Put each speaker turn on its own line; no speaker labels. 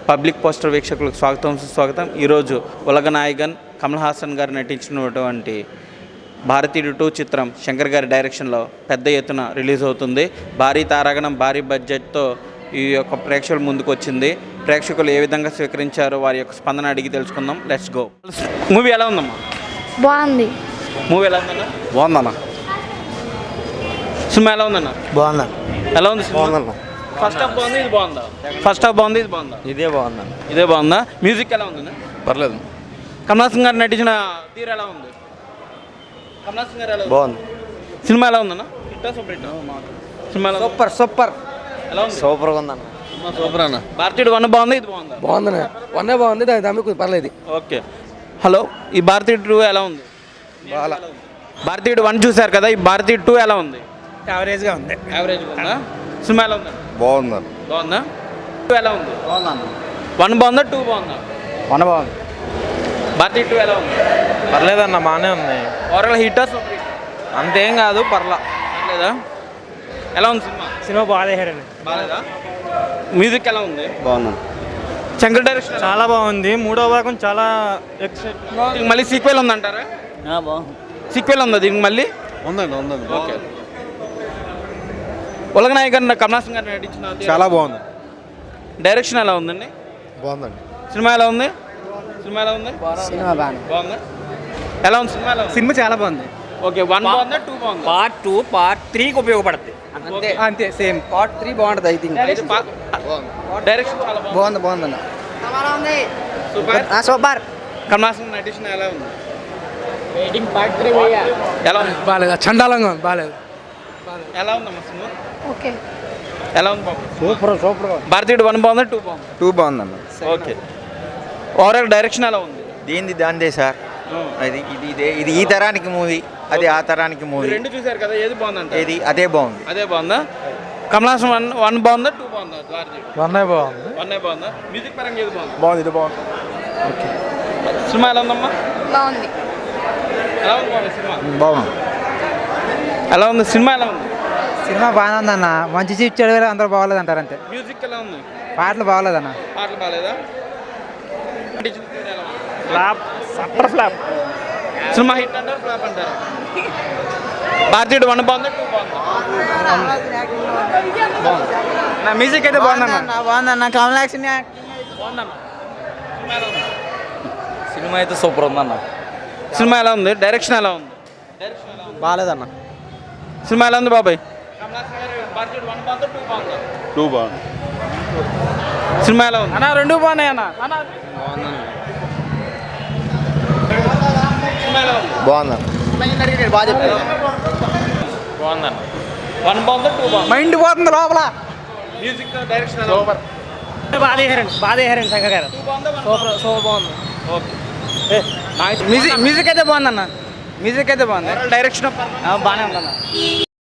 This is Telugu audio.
పబ్లిక్ పోస్టర్ వీక్షకులకు స్వాగతం సుస్వాగతం. ఈరోజు ఉలగనాయగన్ కమల్ హాసన్ గారు నటించినటువంటి భారతీయుడు 2 చిత్రం శంకర్ గారి డైరెక్షన్లో పెద్ద ఎత్తున రిలీజ్ అవుతుంది. భారీ తారాగణం భారీ బడ్జెట్తో ఈ యొక్క ప్రేక్షకుల ముందుకు వచ్చింది. ప్రేక్షకులు ఏ విధంగా స్వీకరించారో వారి యొక్క స్పందన అడిగి తెలుసుకుందాం. Let's go. మూవీ ఎలా ఉందమ్మా?
బాగుంది.
మూవీ ఎలా ఉందన్నా?
బాగుందన్న.
సినిమా ఎలా ఉందన్నా?
బాగుందా?
ఎలా ఉంది సినిమా?
బాగుందన్న.
ఫస్ట్ హాఫ్ బాగుంది, ఇది బాగుందా? ఫస్ట్ హాఫ్ బాగుంది, ఇది బాగుందా?
ఇదే బాగుందన్న.
ఇదే బాగుందా? మ్యూజిక్ ఎలా ఉందన్నా?
పర్లేదు.
కమల్ హాసన్ గారు నటించిన తీరు ఎలా ఉంది? కమల్ హాసన్ గారు ఎలా
బాగుంది.
సినిమా ఎలా ఉందన్నా? హిట్టా సూపర్ హిట్టా? సినిమా ఎలా ఉంది?
సూపర్
ఎలా ఉంది?
సూపర్గా ఉందన్న.
సూపర్ అన్న. భారతీయుడు 1 బాగుంది, ఇది బాగుందా?
బాగుందన్న. 1 బాగుంది, దాని పర్లేదు.
ఓకే. హలో, ఈ భారతీయుడు 2 ఎలా ఉంది?
బాగా
భారతీయుడు 1 చూశారు కదా, ఈ భారతీయుడు 2 ఎలా ఉంది?
యావరేజ్గా ఉంది.
యావరేజ్ ఉందా? సినిమా ఎలా ఉందా?
బాగుందన్న.
బాగుందా? 2 ఎలా ఉంది?
బాగుందన్న.
1 బాగుందా, 2 బాగుందా?
1 బాగుంది.
భారతీయుడు 2 ఎలా ఉంది?
పర్లేదన్న, బాగానే ఉంది.
ఓవరాల్ హిట్టా సూపర్ హిట్?
అంతేం కాదు, పర్లా.
పర్లేదా? ఎలా ఉంది సినిమా?
సినిమా బాగాలేదండి.
బాగాలేదా? మ్యూజిక్ ఎలా ఉంది?
బాగుందన్న.
శంకర్ డైరెక్షన్
చాలా బాగుంది. 3వ భాగం చాలా ఎక్సైట్.
దీనికి మళ్ళీ సీక్వెల్ ఉందంటారా?
బాగుంది.
సీక్వెల్ ఉందా దీనికి మళ్ళీ?
ఉందండి.
ఓకే. ఉలగనాయగన్ కమల్ హాసన్ గారు నటించిన
చాలా బాగుంది.
డైరెక్షన్ ఎలా ఉందండి?
బాగుందండి.
సినిమా ఎలా ఉంది? సినిమా ఎలా ఉంది?
సినిమా బాగుంది.
బాగుందా? ఎలా ఉంది సినిమా? ఎలా ఉంది?
సినిమా చాలా బాగుంది.
ఓకే. 1 బాగుందా, 2 బాగుందా?
పార్ట్ 2 పార్ట్ 3కి ఉపయోగపడుతుంది.
అంతే సేమ్. పార్ట్ 3 బాగుంటుంది. ఐ థింక్
డైరెక్షన్ చాలా బాగుంది.
బాగుందన్న.
సూపర్.
సూపర్.
కమల్ హాసన్ నటించిన ఎలా ఉంది? ఎలా ఉంది?
బాగాలేదు. చండాలంగా ఉంది. బాగాలేదు.
ఎలా ఉందమ్మా సినిమా?
ఓకే.
ఎలా ఉంది బాబు?
సూపర్.
భారతీయుడు 1 బాగుందా, 2 బాగుందా?
2 బాగుందన్న.
ఓకే. ఓవరాల్ డైరెక్షన్ ఎలా ఉంది?
దాందే సార్. ఇది ఈ తరానికి మూవీ, అది ఆ తరానికి మూవీ.
2 చూశారు కదా, ఏది బాగుందంట?
అదే బాగుంది.
అదే బాగుందా? కమల్ హాసన్ 1 బాగుందా, 2 బాగుందా? భారతీయుడు
1 బాగుంది.
1 బాగుందా? మ్యూజిక్ పరంగా ఏది బాగుంది?
బాగుంది. ఇది బాగుంది.
ఓకే. సినిమా ఎలా ఉందమ్మా?
బాగుంది.
ఎలా ఉంది బాబు సినిమా?
బాగుంది.
ఎలా ఉంది సినిమా? ఎలా ఉంది?
సినిమా బాగానే ఉందన్న. మంచి సీట్ చెడు అందరూ బాగోలేదు అంటారు అంతే.
మ్యూజిక్ ఎలా ఉంది?
పాటలు బాగోలేదన్న.
పాటలు బాగాలేదా?
ఫ్లాప్. Super flop.
సినిమా హిట్ అంటారు, ఫ్లాప్ అంటారు? భారతీయుడు 1 బాగుందా, 2 బాగుందా?
నా మ్యూజిక్ అయితే బాగుందన్న.
బాగుందన్న. కమల్ హాసన్
బాగుందమ్మా. సినిమా ఎలా ఉంది?
సినిమా అయితే సూపర్ ఉందన్న.
సినిమా ఎలా ఉంది? డైరెక్షన్ ఎలా ఉంది?
బాగాలేదన్న.
సినిమా ఎలా ఉంది బాబాయ్? భారతీయుడు 1 బాగుందా, 2 బాగుందా?
2 బాగుంది.
సినిమా ఎలా ఉంది?
అన్న 2 బాగున్నాయి అన్న.
సినిమా ఎలా ఉంది?
బాగుందన్న.
బాగుందన్న. 1 బాగుందా, 2 బాగుందా?
మైండ్ పోతుంది లోపల.
మ్యూజిక్ డైరెక్షన్ ఎలా ఉంది?
బాధేహారండి శంకర్ గారు.
2 బాగుందా, 1 బాగుందా?
సూపర్ బాగుంది.
ఓకే.
మ్యూజిక్ అయితే బాగుందన్న. మ్యూజిక్ అయితే బాగుంది.
డైరెక్షన్
బాగానే ఉందన్న.